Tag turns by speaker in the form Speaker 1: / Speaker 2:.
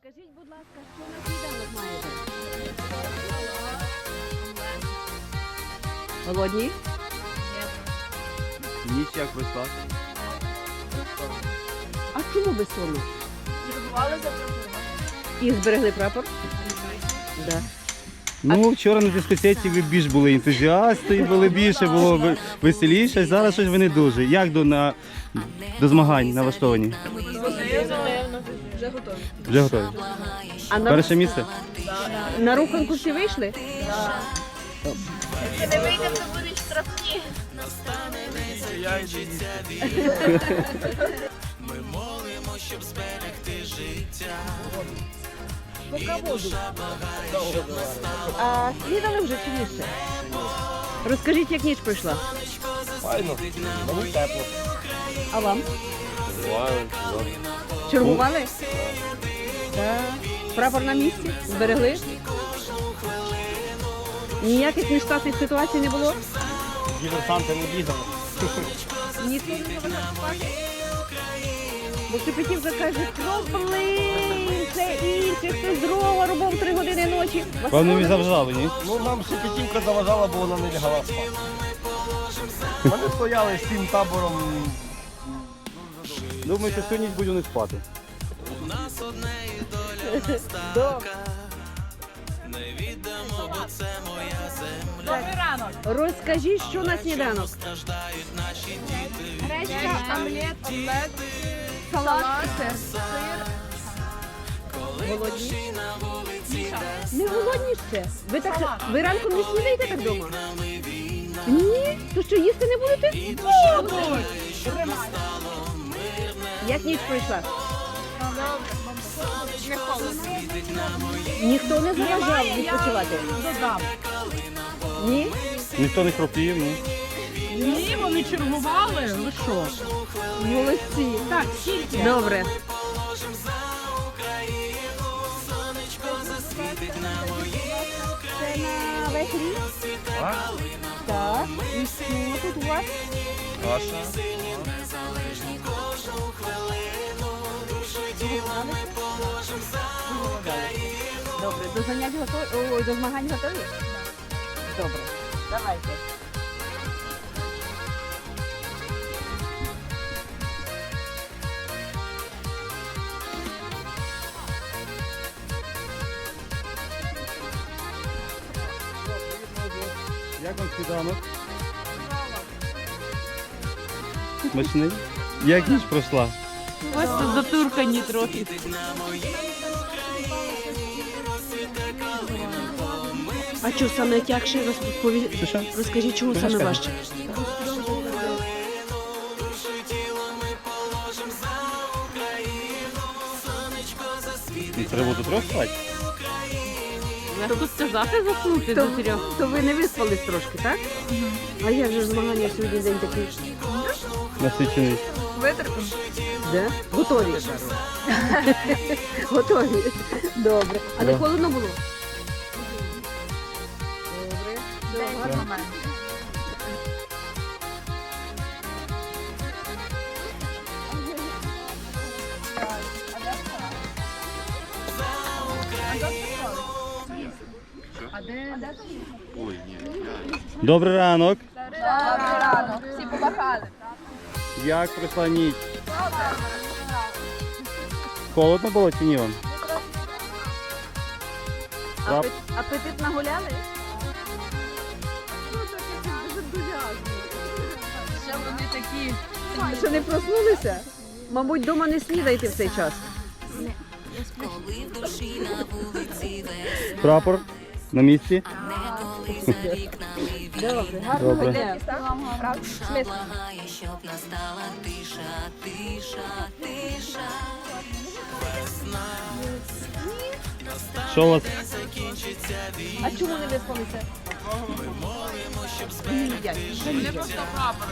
Speaker 1: Скажіть, будь ласка, що на сніданок маєте? Голодні?
Speaker 2: Ніч як пройшла?
Speaker 1: А чому безсонно?
Speaker 3: Чергували за прапором.
Speaker 1: І зберегли прапор? Да.
Speaker 2: Ну, вчора на дискотеці ви більш були ентузіасти, були більше, було веселіше. Зараз щось ви не дуже. Як до змагань налаштовані?
Speaker 3: Вже готові.
Speaker 2: Вже готові?
Speaker 1: А
Speaker 2: Перше місце?
Speaker 1: на руханку всі вийшли?
Speaker 3: Якщо не вийдемо, то будуть штрафні.
Speaker 1: А снідали вже чи ні ще? Розкажіть, як ніч пройшла.
Speaker 4: Файно, мені тепло.
Speaker 1: А вам?
Speaker 4: Буває,
Speaker 1: Чергували? Так. Прапор на місці? Зберегли? Ніяких нештатних ситуацій не було?
Speaker 4: Діверсанти не бігали.
Speaker 1: Ніхто не заважав спати? Бо Шепетівка каже, проблин, це інше, хто здорово, робив 3 години ночі. Вас
Speaker 2: Певно, ви
Speaker 1: не
Speaker 2: завжали, ні?
Speaker 4: Ну, нам Шепетівка заважала, бо вона не лягала спати. Вони стояли з цим табором.
Speaker 2: Думаю, що всю ніч буду не спати.
Speaker 3: Добрий ранок.
Speaker 1: Розкажіть, що на сніданок.
Speaker 3: Гречка, омлет, салат, сир.
Speaker 1: Голодні? Не голодні ще. Ви ранком не снідаєте так вдома? Ні? То що, їсти не будете? Як ніч пройшла?
Speaker 3: Не холодно.
Speaker 1: Ніхто не заважав відпочивати?
Speaker 3: Додам.
Speaker 1: Ні?
Speaker 2: Ніхто не хропів, ну.
Speaker 5: Ні, вони чергували. Ви що?
Speaker 1: Молодці.
Speaker 5: Так, скільки?
Speaker 1: Добре. Це на весь рік? Так. І що тут у вас?
Speaker 4: Каша.
Speaker 1: Добре. До занять готові? Ой, до змагань готові? Добре. Давайте.
Speaker 2: Як вам сніданок? Смачний? Як ніч пройшла?
Speaker 5: Ось тут затуркані трохи.
Speaker 1: А що саме тягше?
Speaker 2: Що?
Speaker 1: Розкажіть, чому саме важче?
Speaker 2: Треба до 3 спати?
Speaker 5: Я тут сказати заснути до 3.
Speaker 1: То ви не виспались трошки, так? А як же ж змагання сьогодні день такий?
Speaker 2: Насичений.
Speaker 3: Витерпимо.
Speaker 1: Да? Готові. Готові. Добре. А не холодно було? Добре.
Speaker 3: Гарний момент.
Speaker 2: Добрий ранок.
Speaker 3: Добрий ранок. Всі побахали.
Speaker 2: Як пройшла ніч? Холодно було чи ні вам?
Speaker 1: Апетит нагуляли?
Speaker 3: Ще вони такі.
Speaker 1: Що не проснулися? Мабуть, вдома не снідаєте в цей час.
Speaker 2: Прапор на місці?
Speaker 1: Добре, гарного
Speaker 2: Добре.
Speaker 1: дня. Смис.
Speaker 6: Щоб настала тиша, тиша, тиша.
Speaker 2: Що у вас?
Speaker 1: А чому не виспалися? Не їдять. Що їдять?
Speaker 5: Просто прапор.